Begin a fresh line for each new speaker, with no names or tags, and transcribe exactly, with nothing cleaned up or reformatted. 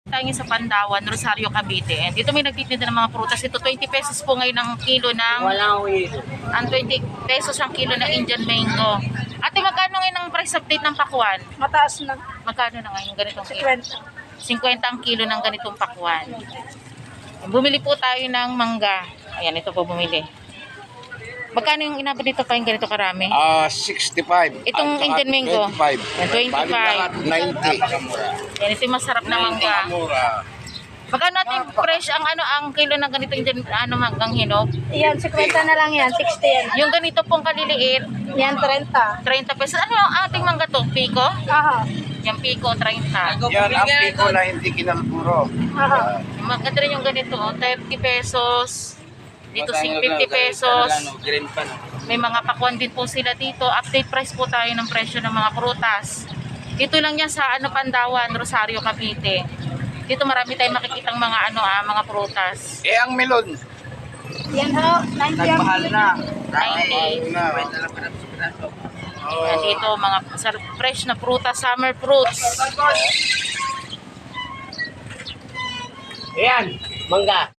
tayo sa Pandawan, Rosario, Cavite. And dito may nagtitinda ng mga prutas. Ito twenty pesos po ngayon ang kilo ng
Walang uwi.
ang twenty pesos ang kilo ng Indian mango. Ate, magkano ngayon ang price update ng pakwan?
Mataas na.
Magkano na ngayon ganitong kilo?
Kwenta.
fifty ang kilo ng ganitong pakwan. Bumili po tayo ng mangga. Ayan, ito po bumili. Magkano yung inabot dito pa yung ganito karami?
Ah, sixty-five.
Itong
At saka
Indian mango?
twenty-five.
Yan, twenty-five.
Bali lahat, ninety.
Yan, ito yung masarap na mangga. Magkano natin yung fresh ang ano ang kilo ng ganito Indian ano manggang hinog?
Yan, kwenta na lang yan. sixty yan.
Yung ganito pong kaliliit,
Yan, trenta.
thirty pesos. Ano yung ating mangga to? Pico?
Aha.
Yung pico, thirty.
Yan ang piko na hindi kinalpuro.
Aha.
Maganda rin yung ganito, oh, thirty pesos. Dito fifty pesos. May mga pakwan din po sila dito. Update price po tayo ng presyo ng mga prutas. Dito lang yan sa ano Pandawan, Rosario, Cavite. Dito marami tayong makikitang mga ano ah, mga prutas.
Eh, ang melon.
Yan ho, ninety yan.
Nagmahal na.
ninety.
Na.
Yan dito mga sar- fresh na prutas, summer fruits.
Ayan, mangga.